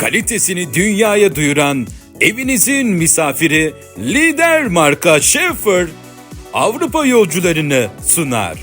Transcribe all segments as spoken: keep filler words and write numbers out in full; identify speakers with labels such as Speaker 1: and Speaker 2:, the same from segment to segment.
Speaker 1: kalitesini dünyaya duyuran evinizin misafiri lider marka Schaefer Avrupa yolcularını sunar.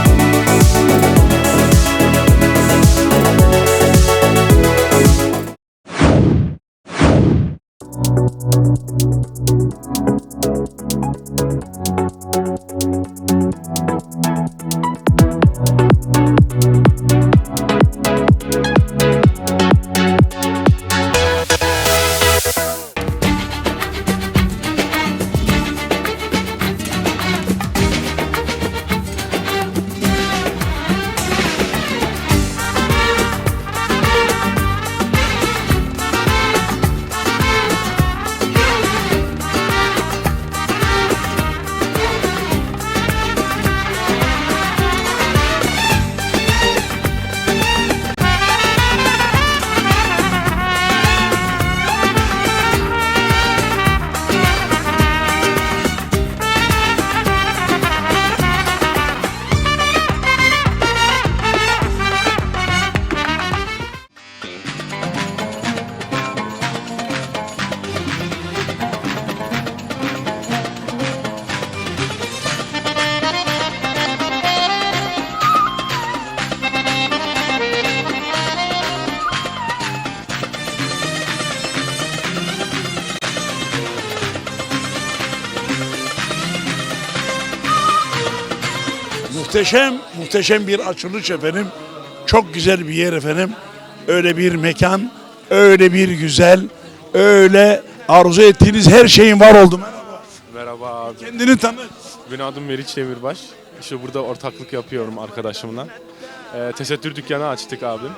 Speaker 2: Muhteşem, muhteşem bir açılış efendim. Çok güzel bir yer efendim. Öyle bir mekan, öyle bir güzel, öyle arzu ettiğiniz her şeyin var oldu. Merhaba.
Speaker 3: Merhaba abi.
Speaker 2: Kendini tanı.
Speaker 3: Benim adım Meriç Demirbaş. İşte burada ortaklık yapıyorum arkadaşımla. Ee, tesettür dükkanı açtık abim.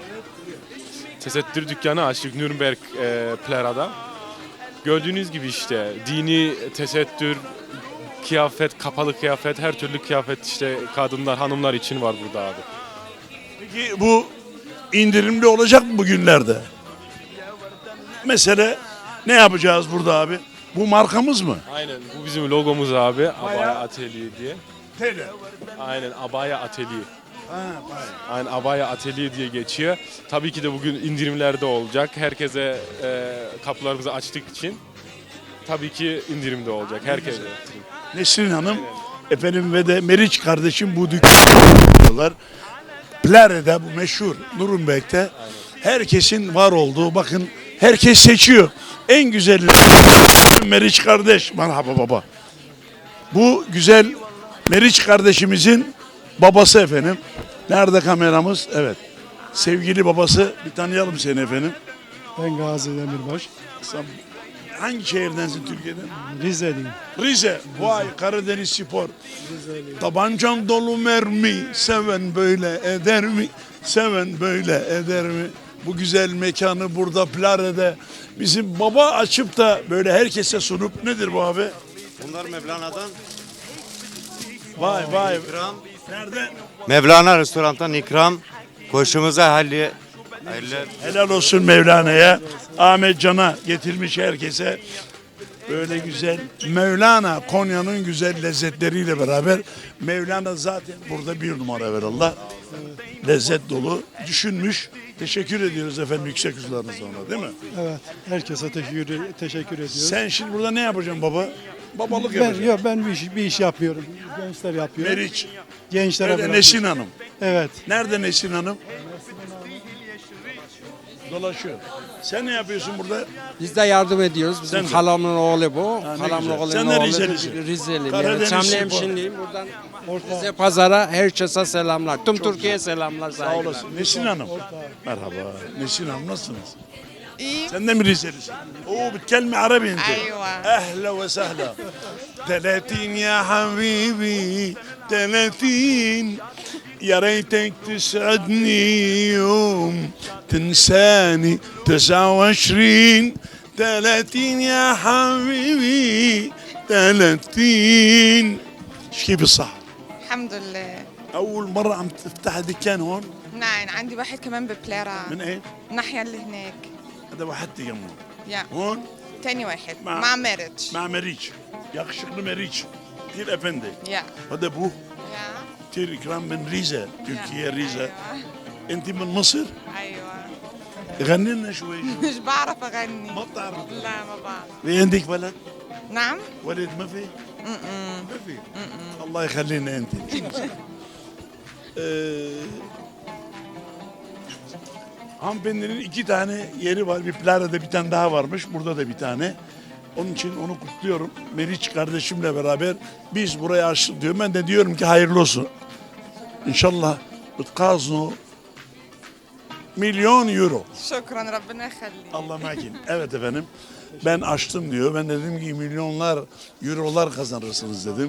Speaker 3: Tesettür dükkanı açtık Nürnberg e, Plera'da. Gördüğünüz gibi işte dini tesettür, kıyafet, kapalı kıyafet, her türlü kıyafet işte kadınlar, hanımlar için var burada abi.
Speaker 2: Peki bu indirimli olacak mı bugünlerde? Mesela ne yapacağız burada abi? Bu markamız mı?
Speaker 3: Aynen, bu bizim logomuz abi. Abaya
Speaker 2: Bayağı-
Speaker 3: Atelier diye.
Speaker 2: Tele.
Speaker 3: Aynen, Abaya Atelier.
Speaker 2: Ha, bayağı.
Speaker 3: Aynen, Abaya Atelier diye geçiyor. Tabii ki de bugün indirimlerde olacak. Herkese e, kapılarımızı açtık için. Tabii ki indirimde olacak. Herkese.
Speaker 2: Nesrin Hanım efendim ve de Meriç kardeşim bu dükkanlar. Plare'de bu meşhur Nürnberg'de herkesin var olduğu, bakın herkes seçiyor. En güzel Meriç kardeş. Merhaba baba. Bu güzel Meriç kardeşimizin babası efendim. Nerede kameramız? Evet. Sevgili babası, bir tanıyalım seni efendim.
Speaker 4: Ben Gazi Demirbaş,
Speaker 2: Sen hangi şehirdensin Türkiye'den?
Speaker 4: Rizeliyim.
Speaker 2: Rize. Vay, Karadeniz Spor. Tabancam dolu mermi, seven böyle eder mi? Seven böyle eder mi? Bu güzel mekanı burada Plare'de bizim baba açıp da böyle herkese sunup, nedir bu abi?
Speaker 5: Bunlar Mevlana'dan.
Speaker 2: Vay vay.
Speaker 5: İkram.
Speaker 2: Nerede?
Speaker 5: Mevlana restorandan ikram. Koşumuza halli. Hayırlı.
Speaker 2: Helal olsun Mevlana'ya. Ahmet Can'a getirmiş herkese. Böyle güzel Mevlana, Konya'nın güzel lezzetleriyle beraber Mevlana zaten burada bir numara evvelallah. Lezzet dolu düşünmüş. Teşekkür ediyoruz efendim yüksek hızlarınızla ona, değil mi?
Speaker 4: Evet, herkese teşekkür, teşekkür ediyorum.
Speaker 2: Sen şimdi burada ne yapacaksın baba? Babalık
Speaker 4: ben,
Speaker 2: yapacaksın.
Speaker 4: yok, ben bir iş, bir iş yapıyorum. Gençler yapıyor.
Speaker 2: Meriç.
Speaker 4: Gençlere
Speaker 2: Nerede
Speaker 4: bırakıyorum.
Speaker 2: Nesin Hanım?
Speaker 4: Evet.
Speaker 2: Nerede Nesin Hanım? Dolaşıyor. Sen ne yapıyorsun burada?
Speaker 6: Biz de yardım ediyoruz. Bizim
Speaker 2: Sen de.
Speaker 6: halamın oğlu bu.
Speaker 2: Ha, ne
Speaker 6: Halamın
Speaker 2: güzel.
Speaker 6: oğlunun
Speaker 2: Sen de
Speaker 6: oğlu.
Speaker 2: Rizelisin.
Speaker 6: Rizeli.
Speaker 2: Karadeniz
Speaker 6: Evet, Çamlı
Speaker 2: Spor.
Speaker 6: hemşinliyim. Buradan Rize Pazar'a herkese selamlar. Tüm Türkiye'ye selamlar,
Speaker 2: Sağ
Speaker 6: saygılar.
Speaker 2: olasın. Nesin Hanım. Merhaba. Nesin Hanım nasılsınız?
Speaker 7: İyi.
Speaker 2: Sen de mi Rizelisin? Oo, بتكلمي عربي انت.
Speaker 7: أيوة.
Speaker 2: اهلا وسهلا. ثلاثين يا حبيبي ثلاثين يا ريتك تسعدني يوم تنساني تسعة وعشرين ثلاثين يا حبيبي ثلاثين. كيف الصحة؟
Speaker 7: الحمد لله.
Speaker 2: أول مرة عم تفتح دكان هون؟
Speaker 7: نعم عندي واحد كمان ببلارا
Speaker 2: من إيه؟
Speaker 7: الناحية اللي هناك.
Speaker 2: هذا واحد جنبه.
Speaker 7: يا
Speaker 2: هون
Speaker 7: تاني واحد
Speaker 2: مع-
Speaker 7: مع مارج.
Speaker 2: مع مريج. yakışıklı Meriç. Tir Efendi.
Speaker 7: يا
Speaker 2: هذا أبوه
Speaker 7: يا
Speaker 2: Tir İkram من ريزة. Türkiye Rize.
Speaker 7: أيوة.
Speaker 2: أنت من مصر؟
Speaker 7: أيوة.
Speaker 2: غني لنا شوي.
Speaker 7: مش بعرف أغني.
Speaker 2: ما بتعرف.
Speaker 7: لا ما بعرف.
Speaker 2: في عندك ولد؟
Speaker 7: نعم؟
Speaker 2: ولد ما في؟
Speaker 7: م-م.
Speaker 2: ما في. Allah يخلينا انت. Ee, hanımefendinin iki tane yeri var. Bir Plara'da bir tane daha varmış. Burada da bir tane. Onun için onu kutluyorum. Meriç kardeşimle beraber biz burayı açtık diyor. Ben de diyorum ki hayırlı olsun. İnşallah bıtkazno milyon euro.
Speaker 7: شكرا ربنا يخليك.
Speaker 2: Allah makin. Evet efendim. Ben açtım diyor. Ben de dedim ki milyonlar eurolar kazanırsınız dedim.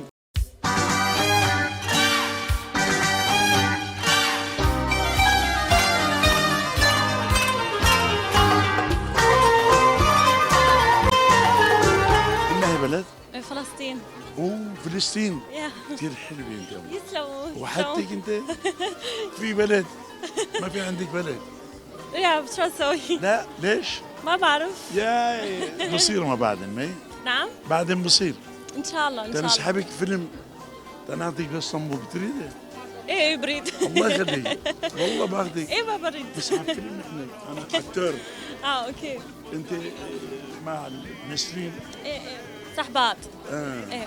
Speaker 2: إنها بلد؟
Speaker 8: فلسطين
Speaker 2: أوه فلسطين
Speaker 8: يا
Speaker 2: كثير حلوة أنت.
Speaker 8: يسلموا
Speaker 2: وحدتك أنت؟ في بلد؟ ما في عندك بلد؟
Speaker 8: يا شو اسوي؟
Speaker 2: لا ليش؟
Speaker 8: ما بعرف
Speaker 2: يا بصير ما بعدين ما
Speaker 8: نعم
Speaker 2: بعدين بصير.
Speaker 8: ان شاء الله ان
Speaker 2: ده
Speaker 8: شاء
Speaker 2: أنا
Speaker 8: الله
Speaker 2: سحبك فيلم ده أنا أعطيك اسطنبول تريده؟
Speaker 8: ايه بريد
Speaker 2: الله يخليك والله باخذك.
Speaker 8: ايه ما بريد
Speaker 2: بس على فيلم احنا انا اكتر
Speaker 8: اه اوكي
Speaker 2: انت مع نسرين
Speaker 8: ايه ايه صحبات
Speaker 2: اه
Speaker 8: ايه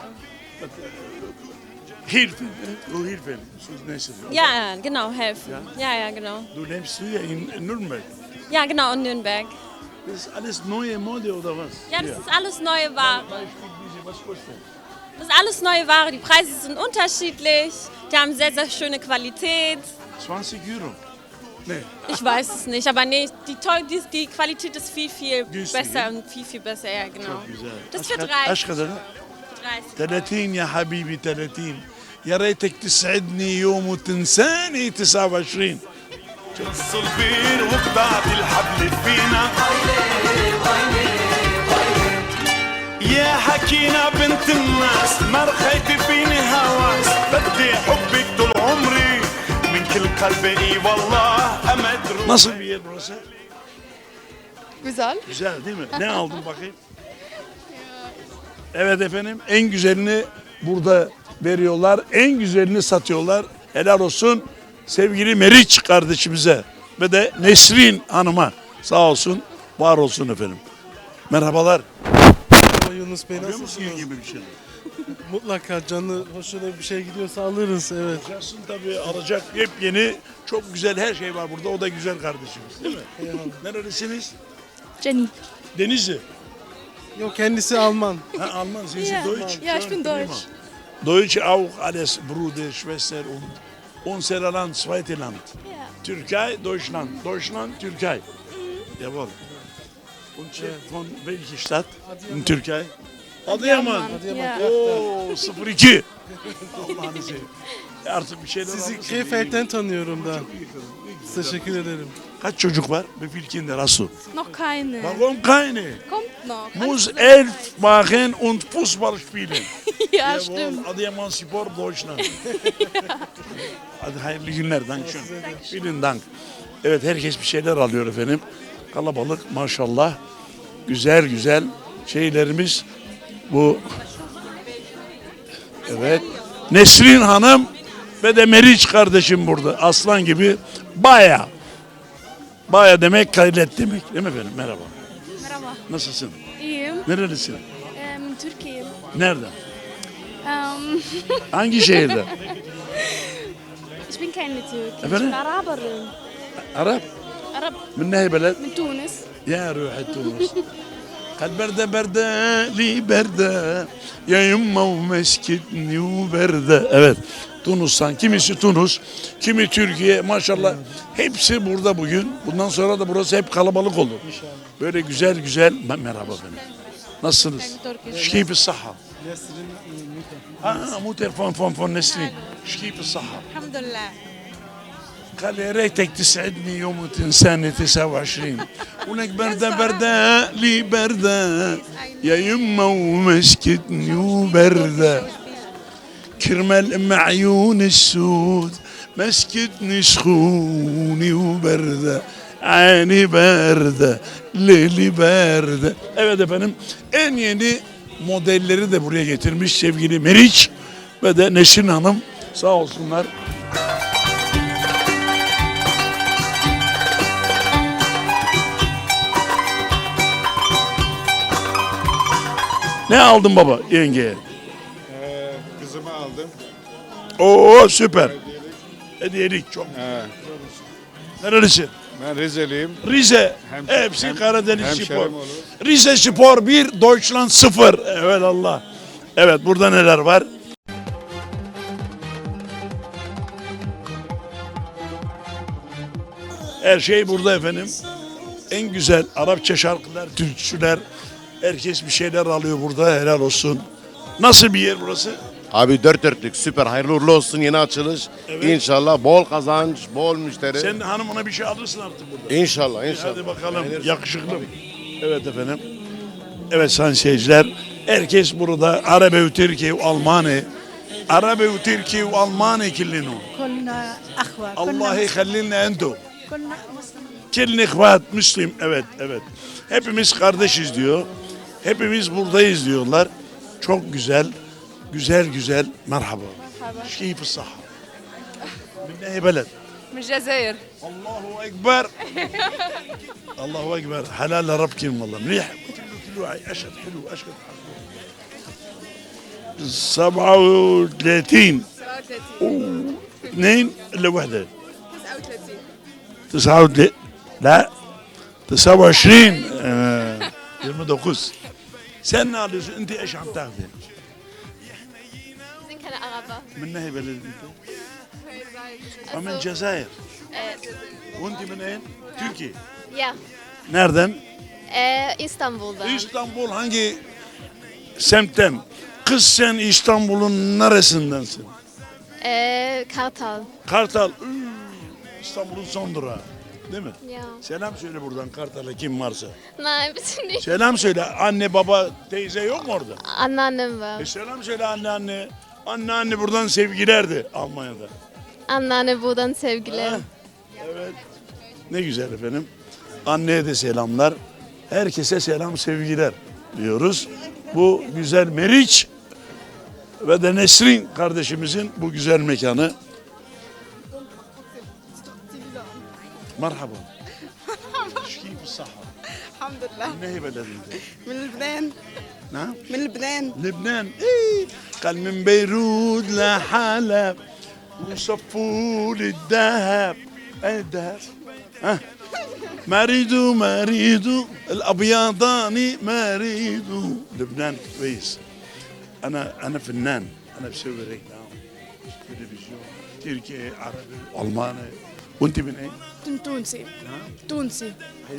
Speaker 2: Hilfen, du Hilfen, so nächstes Jahr.
Speaker 8: ja ja, genau helfen ja ja genau
Speaker 2: Du lebst hier in Nürnberg.
Speaker 8: ja genau in Nürnberg
Speaker 2: Das ist alles neue Mode oder was?
Speaker 8: ja das ist alles neue Ware
Speaker 2: Beispiel diese, was kostet?
Speaker 8: das ist alles neue Ware die Preise sind unterschiedlich die haben sehr sehr schöne Qualität
Speaker 2: zwanzig Euro. Nee.
Speaker 8: ich weiß es nicht aber nee die toll die, die Qualität ist viel viel
Speaker 2: Günstig,
Speaker 8: besser
Speaker 2: ja?
Speaker 8: und viel viel besser ja genau
Speaker 2: Güzel.
Speaker 8: das
Speaker 2: Aşk-
Speaker 8: für dreißig
Speaker 2: aşk kadar.
Speaker 8: dreißig
Speaker 2: ثلاثين يا حبيبي ثلاثين. يا ريتك تسعدني يوم وتنساني تسعة وعشرين.
Speaker 9: الصلبين وقطعت الحبل فينا يا حكينا بنت الناس ما رخيت فيني هواس بدي حبك طول عمري من كل قلبي اي والله امد روحي.
Speaker 2: Nasıl bir yer burası?
Speaker 7: Güzel.
Speaker 2: Güzel değil mi? Ne aldın bakayım? Evet efendim en güzelini burada veriyorlar. En güzelini satıyorlar. Helal olsun sevgili Meriç kardeşimize ve de Nesrin Hanım'a. Sağ olsun, var olsun efendim. Merhabalar.
Speaker 10: Yunus Bey
Speaker 2: Biliyor musun
Speaker 10: nasılsınız?
Speaker 2: gibi bir şey?
Speaker 10: Mutlaka canlı hoşuna bir şey gidiyorsa alırız evet.
Speaker 2: Alacaksın tabii alacak yepyeni çok güzel her şey var burada. O da güzel kardeşimiz değil mi? Nerelisiniz?
Speaker 8: Jenny
Speaker 2: Denizli.
Speaker 10: Yok kendisi Alman.
Speaker 2: Ha, Alman, sind Sie
Speaker 8: Ja.
Speaker 2: Deutsch?
Speaker 8: Ja, ich bin
Speaker 2: Prima.
Speaker 8: Deutsch.
Speaker 2: Deutsch auch alles Bruder, Schwester und unser Land, zweite Land.
Speaker 8: Ja.
Speaker 2: Türkei, Deutschland. Deutschland, Türkei. Jawohl. Und Chef von welcher Stadt in Türkei? Adıyaman.
Speaker 8: Ja.
Speaker 2: Oo, sıfır iki. Allah'ını seveyim. Artık bir şeyler
Speaker 10: Sizi
Speaker 2: alırsın.
Speaker 10: Krefeld'den tanıyorum da. Teşekkür ederim.
Speaker 2: Kaç çocuk var? Wie viele Kinder hast du?
Speaker 8: noch keine
Speaker 2: Warum keine?
Speaker 8: kommt noch
Speaker 2: Muss elf machen und Fußball spielen.
Speaker 8: ja
Speaker 2: Jawohl, Adıyaman Spor Deutschland. Hadi hayırlı günler. Dankeschön. Vielen Dank. Evet herkes bir şeyler alıyor efendim. Kalabalık maşallah. Güzel güzel şeylerimiz bu. Evet. Nesrin Hanım ve de Meriç kardeşim burada. Aslan gibi baya. Baya demek gayret demek. Değil mi efendim? Merhaba.
Speaker 8: Merhaba.
Speaker 2: Nasılsın?
Speaker 8: İyiyim.
Speaker 2: Nerelisin?
Speaker 8: Ähm, Türkiye.
Speaker 2: Nereden?
Speaker 8: Ähm,
Speaker 2: Hangi şehirden?
Speaker 8: ich bin keine Türkin.
Speaker 2: Efendim?
Speaker 8: Ich bin Araberin.
Speaker 2: Arap.
Speaker 8: Arab
Speaker 2: من نهي بلد؟
Speaker 8: من Tunis.
Speaker 2: يا روح تونس. قد بردة بردة لي بردة يا يما ومسكتني وبردة. Evet. Tunus'tan kimisi Tunus, kimi Türkiye maşallah hepsi burada bugün. Bundan sonra da burası hep kalabalık olur. Böyle güzel güzel merhaba efendim. Nasılsınız? Şkipi saha. Aa, mu telefon fon fon Nesrin. Şkipi saha.
Speaker 7: الحمد لله.
Speaker 2: قال يا ريتك تسعدني يوم وتنساني تسعة وعشرين ولك بردة بردة لي بردة يا يما ومسكتني وبردة كرمال ام عيون السود مسكتني سخوني وبردة عيني باردة ليلي باردة. Evet efendim en yeni modelleri de buraya getirmiş sevgili Meriç ve de Nesrin Hanım sağ olsunlar. Ne aldın baba yengeye?
Speaker 11: Ee, kızımı aldım.
Speaker 2: Oo süper. Hediyelik çok.
Speaker 11: He.
Speaker 2: Nerelisin?
Speaker 11: Ben Rizeliyim.
Speaker 2: Rize.
Speaker 11: Hem-
Speaker 2: Hepsi
Speaker 11: hem-
Speaker 2: Karadeniz
Speaker 11: hemşerim
Speaker 2: Spor.
Speaker 11: olur.
Speaker 2: Rize Spor bir, Deutschland sıfır. Evet Allah. Evet burada neler var? Her şey burada efendim. En güzel Arapça şarkılar, türküler. Herkes bir şeyler alıyor burada. Helal olsun. Nasıl bir yer burası?
Speaker 11: Abi dört dörtlük süper hayırlı uğurlu olsun yeni açılış.
Speaker 2: Evet.
Speaker 11: İnşallah bol kazanç, bol müşteri.
Speaker 2: Sen hanımına bir şey alırsın artık burada.
Speaker 11: İnşallah inşallah.
Speaker 2: Hadi bakalım
Speaker 11: Beğenirsin.
Speaker 2: yakışıklı. Evet efendim. Evet sayın seyirciler. Herkes burada Arabe Türkiye Almanya. Arabe Türkiye Almanya كلنا.
Speaker 12: كلنا أخوة
Speaker 2: Allah يخلينا انتو.
Speaker 12: كلنا مسلمين.
Speaker 2: Kelin ihvat Müslim. Evet evet. Hepimiz kardeşiz diyor. Hepimiz buradayız diyorlar. Çok güzel. Güzel güzel. Merhaba. Keyif الصحة. من أي بلد؟
Speaker 7: من الجزائر.
Speaker 2: الله أكبر. الله أكبر. حلال رب كلمة والله مليح. كله أشهد حلو أشهد. سبعة وثلاثين. اثنين إلا واحدة. تسعة وثلاثين. لا. تسعة وعشرين. يوم dokuz. Sen ne alıyorsun? Enti eş عم تاخذي؟
Speaker 8: sind keine Araber.
Speaker 2: من أي بلد أنت؟ من الجزائر. وأنت من أين؟ Türkiye.
Speaker 8: Ja,
Speaker 2: Nereden?
Speaker 8: äh, Istanbul'da.
Speaker 2: İstanbul hangi semtten? Kız sen İstanbul'un neresindensin?
Speaker 8: Äh, Kartal.
Speaker 2: Kartal. Üü, İstanbul'un son durağı. Değil mi?
Speaker 8: Ja.
Speaker 2: Selam söyle buradan Kartal'a kim varsa.
Speaker 8: Nein, bitte nicht.
Speaker 2: Selam söyle. Anne baba teyze yok mu orada?
Speaker 8: Anneannem var.
Speaker 2: E selam söyle anne anne. Anne anne buradan sevgilerdi Almanya'da.
Speaker 8: Anneanne buradan sevgiler.
Speaker 2: Ha, evet. Ne güzel efendim. Anneye de selamlar. Herkese selam sevgiler diyoruz. Bu güzel Meriç ve de Nesrin kardeşimizin bu güzel mekanı. Merhaba. كيف الصحة؟
Speaker 7: الحمد لله.
Speaker 2: من أي بلد أنت؟
Speaker 7: من لبنان.
Speaker 2: نعم؟
Speaker 7: من لبنان.
Speaker 2: لبنان. إيه. قال من بيروت لحلب وصفوا لي الذهب. أين الذهب؟ ها؟ مريدو مريدو الأبيضاني مريدو. لبنان كويس. أنا أنا فنان. أنا بسوي ريكلام تلفزيون تركي عربي ألماني. وأنت من أين؟
Speaker 12: تونسي. تونسي.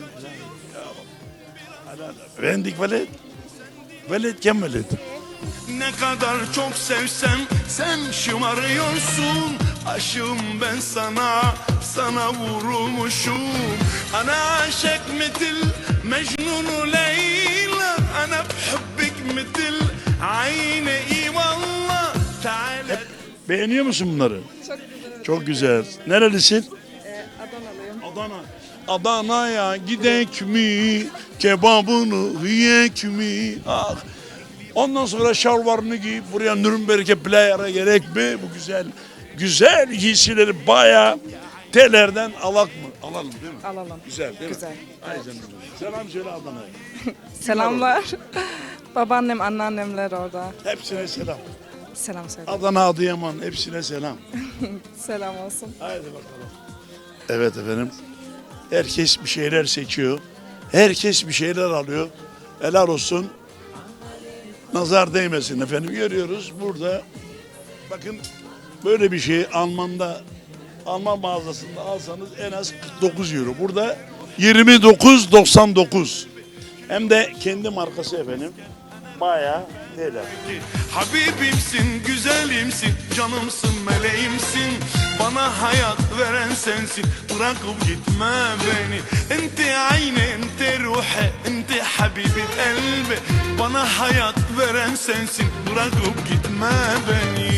Speaker 2: عندك ولد؟ ولد كم ولد؟
Speaker 9: Ne kadar çok sevsem sen şımarıyorsun. Aşığım ben sana, sana vurulmuşum. Ana aşık mitil Mecnun Leyla. Ana bhubbik mitil Ayne eyvallah. Teala.
Speaker 2: Beğeniyor musun bunları? Çok güzel. Çok güzel. Nerelisin?
Speaker 7: Adanalıyım.
Speaker 2: Adana. Adana'ya gidek mi? Kebabını yiyek mi? Ah. Ondan sonra şalvarını giyip buraya Nürnberg'e player'a gerek mi? Bu güzel güzel giysileri bayağı telerden alak mı? Alalım değil mi?
Speaker 7: Alalım.
Speaker 2: Güzel değil
Speaker 7: Güzel.
Speaker 2: mi? Ay canım. Selam söyle Adana'ya.
Speaker 7: Selamlar. Babaannem, anneannemler orada.
Speaker 2: Hepsine selam.
Speaker 7: Selam söyle.
Speaker 2: Adana, Adıyaman hepsine selam.
Speaker 7: Selam olsun.
Speaker 2: Haydi bakalım. Evet efendim. Herkes bir şeyler seçiyor. Herkes bir şeyler alıyor. Helal olsun. Nazar değmesin efendim. Görüyoruz burada. Bakın böyle bir şey Alman'da Alman mağazasında alsanız en az kırk dokuz euro. Burada yirmi dokuz doksan dokuz. Hem de kendi markası efendim. Bayağı helal.
Speaker 9: Habibimsin, güzelimsin, canımsın, meleğimsin. Bana hayat veren sensin, bırakıp gitme beni. Enti ayni, enti ruhi, enti habibit elbi. Bana hayat veren sensin, bırakıp gitme beni.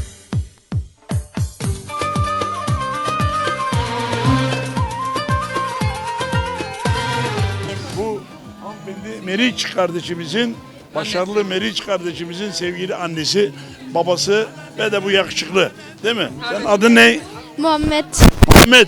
Speaker 2: Bu hanımefendi Meriç kardeşimizin, başarılı Meriç kardeşimizin sevgili annesi, babası ve de bu yakışıklı. Değil mi? Sen adın ne?
Speaker 8: Muhammed.
Speaker 2: Muhammed.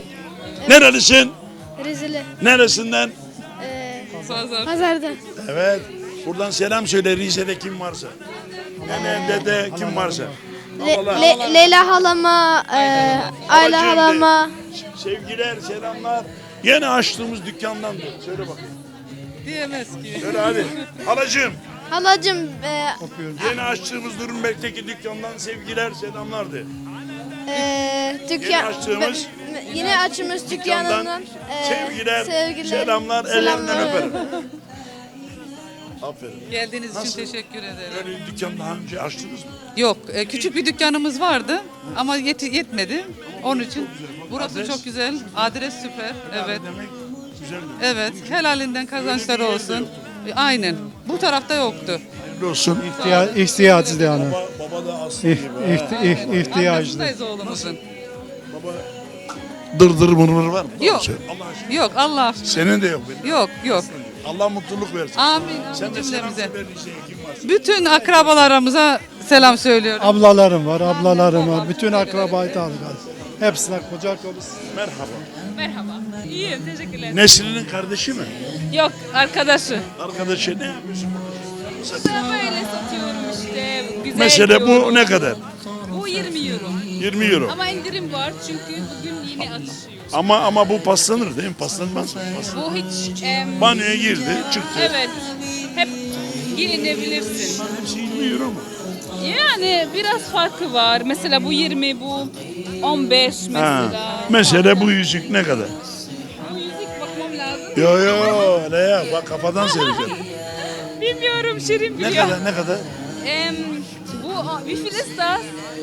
Speaker 2: Nerelisin?
Speaker 8: Rizeli.
Speaker 2: Neresinden?
Speaker 8: Pazarda.
Speaker 2: Evet. Buradan selam söyle Rize'de kim varsa. Nene, dede kim varsa. Ablalar.
Speaker 12: Le- Leyla halama, e, Ayla
Speaker 2: Halacığım de.
Speaker 12: halama.
Speaker 2: Sevgiler, selamlar. Yeni açtığımız dükkandan da. Söyle bakayım.
Speaker 7: Diyemez ki.
Speaker 2: Söyle hadi. Halacığım.
Speaker 12: Halacım, e,
Speaker 2: Yeni açtığımız Nürnberg'teki dükkandan sevgiler, selamlar de.
Speaker 12: e, dükkan,
Speaker 2: Yeni açtığımız
Speaker 12: be- yeni açtığımız dükkanından e,
Speaker 2: sevgiler,
Speaker 12: sevgiler,
Speaker 2: selamlar, ellerinden
Speaker 12: selamlar.
Speaker 2: öperim. Aferin.
Speaker 7: Geldiğiniz
Speaker 2: Nasıl?
Speaker 7: için teşekkür ederim.
Speaker 2: Böyle dükkan daha önce açtınız mı?
Speaker 7: Yok, e, küçük bir dükkanımız vardı ama yet- yetmedi. Onun için burası
Speaker 2: Adres?
Speaker 7: çok güzel. Adres süper. Evet.
Speaker 2: Demek güzel.
Speaker 7: Evet. Helalinden kazançları olsun. E, Aynen. Bu tarafta yoktu.
Speaker 2: Hayırlı olsun.
Speaker 4: İhtiya ihtiyaçlı yani.
Speaker 2: Baba, baba da aslı
Speaker 4: İh,
Speaker 2: gibi.
Speaker 4: iht,
Speaker 2: ha.
Speaker 4: ih, ihtiyaçlı.
Speaker 7: Arkasındayız oğlumuzun.
Speaker 2: Baba dırdır mırmır var mı?
Speaker 7: Yok.
Speaker 2: Söyle. Allah aşkına.
Speaker 7: Yok Allah aşkına.
Speaker 2: Senin de yok benim.
Speaker 7: Yok yok.
Speaker 2: Allah mutluluk versin.
Speaker 7: Amin.
Speaker 2: Sen
Speaker 7: Amin
Speaker 2: de selam
Speaker 7: cümlemize.
Speaker 2: söyle Rize'ye kim varsa.
Speaker 7: Bütün akrabalarımıza selam söylüyorum.
Speaker 4: Ablalarım var, ablalarım var. Bütün akrabayı tanıdık. Hepsine kucak olsun.
Speaker 2: Merhaba.
Speaker 8: Merhaba. İyiyim, teşekkürler.
Speaker 2: Nesrin'in kardeşi mi?
Speaker 8: Yok, arkadaşı.
Speaker 2: Arkadaşı ne yapıyorsun?
Speaker 8: Böyle satıyorum işte. Güzel
Speaker 2: Mesela bu
Speaker 8: diyorum.
Speaker 2: ne kadar?
Speaker 8: Bu yirmi euro.
Speaker 2: yirmi euro.
Speaker 8: Ama indirim var çünkü bugün yeni açıyor.
Speaker 2: Ama ama bu paslanır değil mi? Paslanmaz mı? Paslanır.
Speaker 8: Bu hiç... em,
Speaker 2: Banyoya girdi, çıktı.
Speaker 8: Evet. Hep giyinebilirsin.
Speaker 2: Hepsi yirmi euro mu?
Speaker 8: Yani biraz farkı var. Mesela bu yirmi, bu on beş mesela.
Speaker 2: Ha. Mesela bu yüzük ne kadar?
Speaker 8: Bu yüzük bakmam lazım.
Speaker 2: Yo yo ne ya bak kafadan seyredeceğim.
Speaker 8: Bilmiyorum, Şirin
Speaker 2: Ne
Speaker 8: biliyor.
Speaker 2: kadar ne kadar?
Speaker 8: Em, bu, wie viel ist das?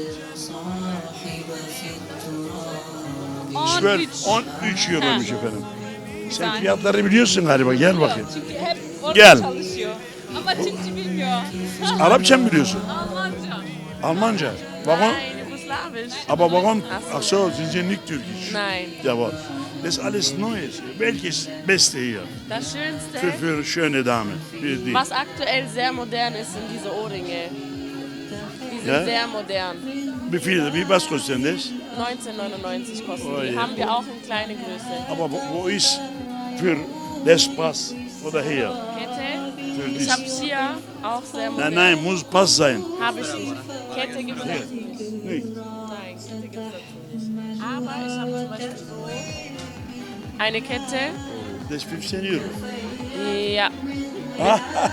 Speaker 2: Şöyle
Speaker 8: on üç.
Speaker 2: on üç euroymuş
Speaker 8: Ha.
Speaker 2: efendim. Sen
Speaker 8: Yani.
Speaker 2: fiyatları biliyorsun galiba gel bakayım.
Speaker 8: Çünkü hep orada
Speaker 2: Gel.
Speaker 8: çalışıyor. Ama Türkçe bilmiyor.
Speaker 2: Arapça mı biliyorsun?
Speaker 8: Almanca.
Speaker 2: Almanca. Warum?
Speaker 8: Nein, Jugoslawisch.
Speaker 2: Aber warum?
Speaker 8: Ach so.
Speaker 2: Ach so, sind Sie nicht türkisch?
Speaker 8: Nein.
Speaker 2: Jawohl. Das ist alles Neues. Welches Beste hier?
Speaker 8: Das Schönste,
Speaker 2: Für, für schöne Damen. Für die.
Speaker 8: was aktuell sehr modern ist, sind diese Ohrringe. Die sind
Speaker 2: Ja?
Speaker 8: sehr modern.
Speaker 2: Wie viel? Wie was kostet denn das?
Speaker 8: neunzehn neunundneunzig kosten
Speaker 2: Oh
Speaker 8: die.
Speaker 2: je.
Speaker 8: Haben wir auch in kleine Größe.
Speaker 2: Aber wo, wo ist für das Pass oder hier?
Speaker 8: Kette.
Speaker 2: Für
Speaker 8: Ich
Speaker 2: dies?
Speaker 8: habe hier auch sehr modern.
Speaker 2: Nein, nein, muss Pass sein.
Speaker 8: Habe ich nicht. Kette gibt es nicht.
Speaker 2: Nicht.
Speaker 8: Nein, Kette gibt es nicht. Aber ich habe zum Beispiel so eine Kette.
Speaker 2: Das ist fünfzehn Euro.
Speaker 8: Ja, so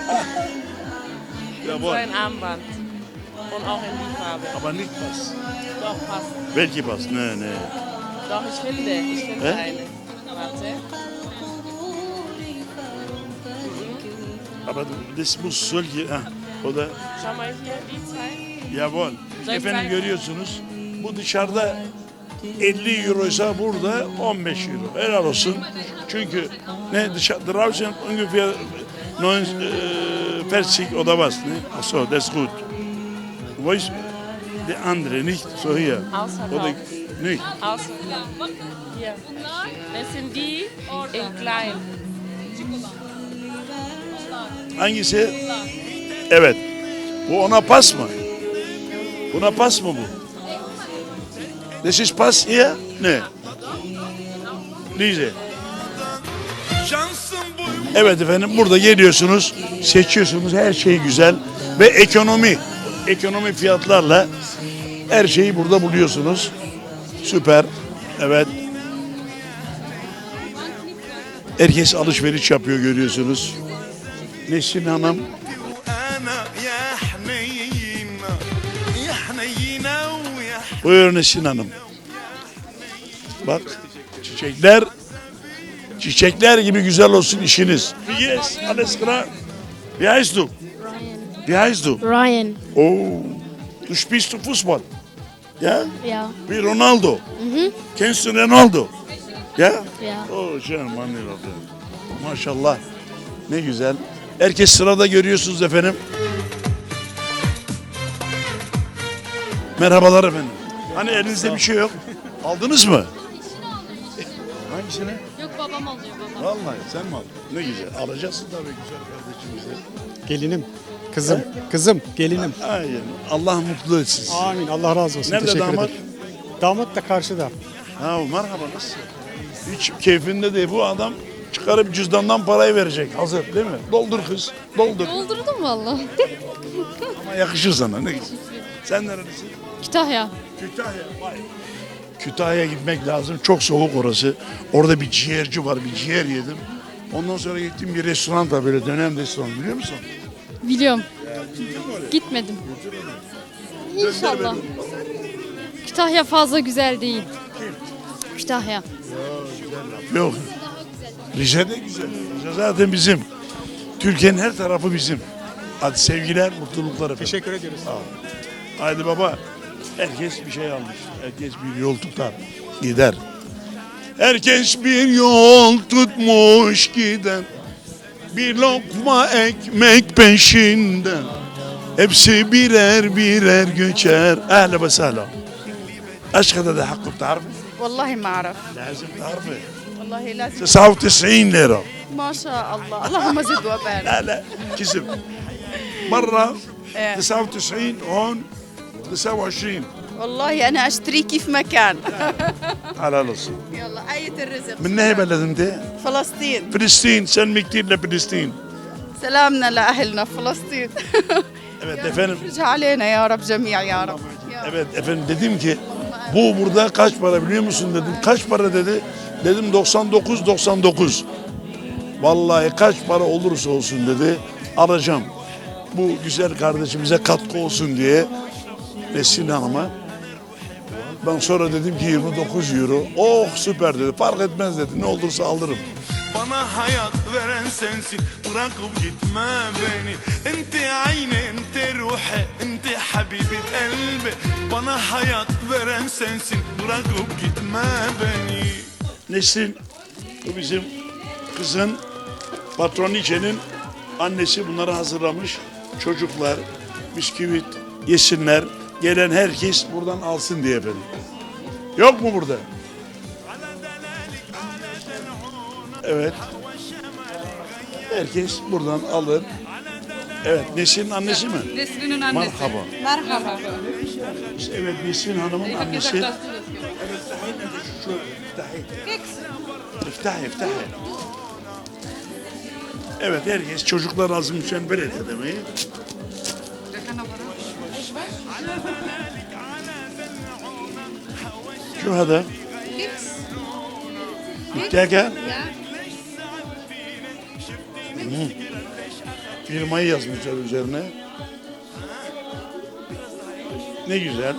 Speaker 2: Jawohl.
Speaker 8: ein Armband. Und auch in die Farbe.
Speaker 2: Aber nicht Pass.
Speaker 8: Doch, passt.
Speaker 2: Welche Pass? Nee, nee.
Speaker 8: Doch, ich finde. Ich finde
Speaker 2: Hä?
Speaker 8: eine. Warte.
Speaker 2: Aber das muss solche... Ha, o da...
Speaker 8: Schau mal hier, die zwei.
Speaker 2: Jawohl.
Speaker 8: Soll ich
Speaker 2: Efendim
Speaker 8: zeigen?
Speaker 2: görüyorsunuz. Bu dışarıda elli euroysa burada on beş euro. Helal olsun. Çünkü ne dışarı draußen ungefähr neun vierzig oder was, ne? Ach so, das ist gut. Wo ist der andere nicht so hier?
Speaker 8: Ausverkauft.
Speaker 2: Oder nicht?
Speaker 8: Ausverkauft. Hier. Das sind die in klein.
Speaker 2: Hangisi? Evet. Bu ona pas mı? Buna pas mı bu? This is pas here? Ne? Lize. Evet efendim burada geliyorsunuz, seçiyorsunuz her şey güzel ve ekonomi, ekonomi fiyatlarla her şeyi burada buluyorsunuz. Süper. Evet. Herkes alışveriş yapıyor görüyorsunuz. Nesrin Hanım
Speaker 9: أنا يا حنينة يا حنينة ويا
Speaker 2: Buyurun Nesrin Hanım. Bak çiçekler çiçekler gibi güzel olsun işiniz. Yes, alles klar. Wie heißt du? Wie heißt du?
Speaker 12: Ryan.
Speaker 2: Oh, du spielst du Fußball? Ja?
Speaker 12: Ja.
Speaker 2: Wie Ronaldo?
Speaker 12: Mhm.
Speaker 2: Kennst du Ronaldo? Ja?
Speaker 12: Ja.
Speaker 2: Oh, schön, Mann. Maşallah. Ne güzel. Herkes sırada görüyorsunuz efendim. Merhabalar efendim. Hani elinizde bir şey yok. Aldınız mı? Hangisini?
Speaker 8: Yok, babam alıyor babam.
Speaker 2: Vallahi sen mi aldın? Ne güzel. Alacaksın tabii güzel kardeşimize.
Speaker 4: Gelinim, kızım, kızım, gelinim.
Speaker 2: Aynen. Allah mutlu etsin sizi.
Speaker 4: Amin. Allah razı olsun.
Speaker 2: Nerede
Speaker 4: Teşekkür
Speaker 2: damat?
Speaker 4: ederim. Damat da karşıda.
Speaker 2: Ha merhaba nasıl? Hiç keyfinde değil. Bu adam çıkar çıkarıp cüzdandan parayı verecek. Hazır değil mi? Doldur kız. Doldur.
Speaker 12: Doldurdum valla.
Speaker 2: Ama yakışır sana. Ne güzel. Sen nerelisin?
Speaker 12: Kütahya.
Speaker 2: Kütahya. Vay. Kütahya'ya gitmek lazım. Çok soğuk orası. Orada bir ciğerci var. Bir ciğer yedim. Ondan sonra gittim bir restoran da böyle dönem restoran biliyor musun?
Speaker 12: Biliyorum. Gitmedim. İnşallah. Kütahya fazla güzel değil. Kütahya.
Speaker 2: Yok. Rize de güzel. Rize zaten bizim. Türkiye'nin her tarafı bizim. Hadi sevgiler, mutluluklar efendim.
Speaker 3: Teşekkür ediyoruz.
Speaker 2: Sağ ol. Haydi baba. Herkes bir şey almış. Herkes bir yol tutar. Gider. Herkes bir yol tutmuş gider. Bir lokma ekmek peşinden. Hepsi birer birer göçer. Ehle ve sehla. ايش هذا ده حقه بتعرفي؟
Speaker 7: والله ما اعرف
Speaker 2: لازم تعرفي.
Speaker 7: والله لازم
Speaker 2: تسعة وتسعين ليرة.
Speaker 7: ما شاء الله اللهم زد وبارك
Speaker 2: لا لا كسب. مرة
Speaker 7: إيه.
Speaker 2: تسعة وتسعين هون تسعة وعشرين.
Speaker 7: والله انا اشتري كيف ما كان
Speaker 2: على الأصل.
Speaker 7: يلا آية الرزق
Speaker 2: من نهي بلد انت؟
Speaker 7: فلسطين
Speaker 2: فلسطين سلمي كتير لفلسطين.
Speaker 7: سلامنا لأهلنا في فلسطين
Speaker 2: Evet efendim.
Speaker 7: ارجع علينا يا رب جميع يا رب
Speaker 2: Evet efendim dedim ki bu burada kaç para biliyor musun dedim. Kaç para dedi. Dedim doksan dokuz doksan dokuz. Vallahi kaç para olursa olsun dedi. Alacağım. Bu güzel kardeşimize katkı olsun diye Nesin Hanım'a. Ben sonra dedim ki yirmi dokuz euro. Oh süper dedi. Fark etmez dedi. Ne olursa alırım.
Speaker 9: Bana hayat veren sensin, bırakıp gitme beni. Ente ayni, ente ruhi, ente habibi kalbi. Bana hayat veren sensin, bırakıp gitme beni.
Speaker 2: Nesin, bu bizim kızın patroniçenin annesi bunları hazırlamış. Çocuklar bisküvit yesinler. Gelen herkes buradan alsın diye efendim. Yok mu burada? Evet. Herkes buradan alır. Evet, Nesin'in annesi mi?
Speaker 7: Nesrin'in annesi
Speaker 2: Merhaba.
Speaker 7: merhaba
Speaker 2: Evet, Nesin Hanım'ın annesi. Evet, şu İftahi, iftahi. Evet, herkes çocuklar azim için böyle demeyi. Şu hada. Mütteka. Firmayı yazmışlar üzerine. Ne güzel.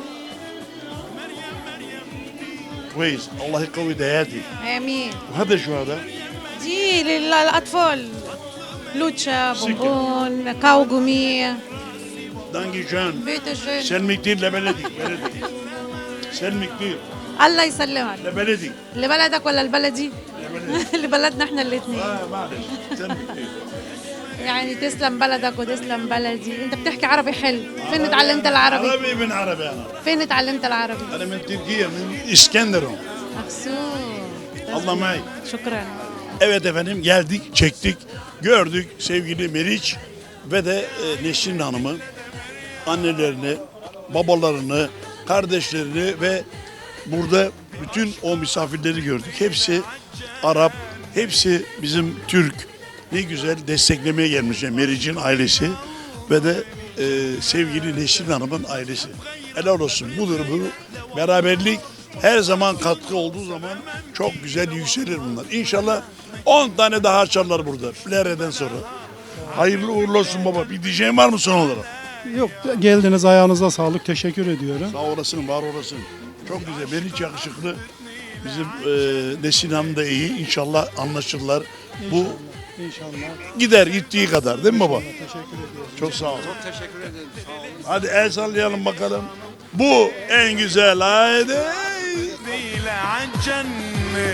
Speaker 2: كويس الله يقوي دياتي
Speaker 7: امين
Speaker 2: وهذا شو هذا؟
Speaker 7: دي للاطفال لوتشا بونبون كاوغومي
Speaker 2: دانجي جان
Speaker 7: بيت الجن
Speaker 2: سلمي كتير لبلدي بلدي سلمي كتير
Speaker 7: الله يسلمك
Speaker 2: لبلدي
Speaker 7: لبلدك ولا البلدي لبلدنا احنا الاثنين
Speaker 2: اه معلش سلمي كتير
Speaker 7: يعني تسلم بلدك وتسلم بلدي انت بتحكي عربي حلو فين اتعلمت العربي
Speaker 2: عربي من عربي انا
Speaker 7: فين اتعلمت العربي
Speaker 2: انا من تركيا من اسكندرون
Speaker 7: مقصود
Speaker 2: الله معي
Speaker 7: شكرا
Speaker 2: Evet efendim geldik, çektik, gördük sevgili Meriç ve de e, Nesrin Hanım'ı, annelerini, babalarını, kardeşlerini ve burada bütün o misafirleri gördük. Hepsi Arap, hepsi bizim Türk. Ne güzel desteklemeye gelmişler Meriç'in ailesi ve de e, sevgili Nesrin Hanım'ın ailesi. Helal olsun budur bu beraberlik. Her zaman katkı olduğu zaman çok güzel yükselir bunlar. İnşallah on tane daha açarlar burada. Flere'den sonra. Hayırlı uğurlu olsun baba. Bir diyeceğin var mı son olarak?
Speaker 4: Yok geldiniz ayağınıza sağlık teşekkür ediyorum.
Speaker 2: Sağ olasın, var olasın. Çok güzel. Ben hiç yakışıklı. Bizim e, Nesin Hanım da iyi. İnşallah anlaşırlar. Bu
Speaker 4: İnşallah.
Speaker 2: gider gittiği kadar değil mi baba?
Speaker 4: Teşekkür ediyorum.
Speaker 2: Çok sağ ol.
Speaker 6: Çok teşekkür ederim. Sağ olun.
Speaker 2: Hadi el sallayalım bakalım. Bu en güzel. Haydi.
Speaker 9: ديل عالجنة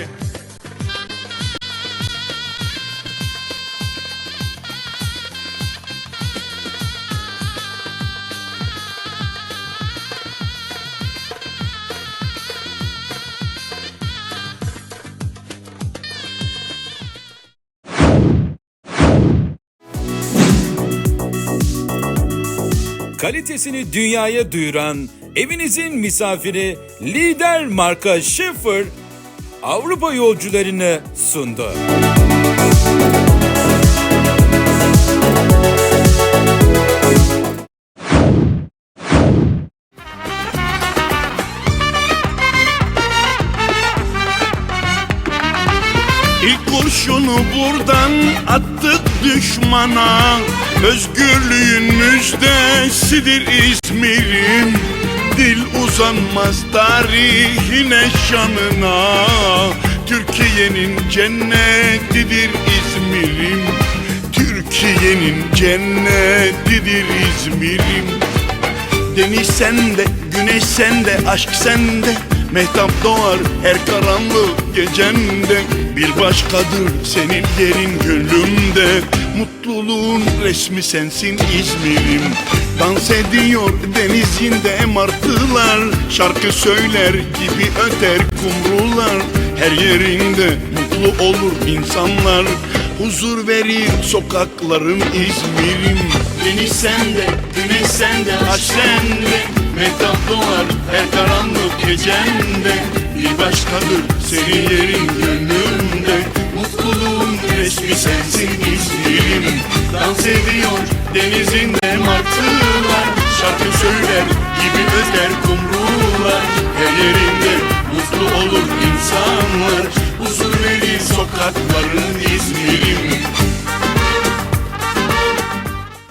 Speaker 1: Kalitesini dünyaya duyuran evinizin misafiri Lider marka Schaefer Avrupa yolcularını sundu.
Speaker 9: İlk kurşunu buradan attık düşmana. Özgürlüğün müjdesidir İzmir'im. Dil uzanmaz tarihine şanına. Türkiye'nin cennetidir İzmir'im. Türkiye'nin cennetidir İzmir'im. Deniz sende, güneş sende, aşk sende. Mehtap doğar her karanlık gecende. Bir başkadır senin yerin gönlümde. Mutluluğun resmi sensin İzmir'im. Dans ediyor denizinde martılar. Şarkı söyler gibi öter kumrular. Her yerinde mutlu olur insanlar. Huzur verir sokakların İzmir'im. Deniz sende, güneş sende, aşk sende. Mehtap doğar her karanlık gecende. Bir başkadır senin yerin gönlümde. Mutluluğun resmi sensin İzmir'im. Dans ediyor denizinde martılar. Şarkı söyler gibi öter kumrular. Her yerin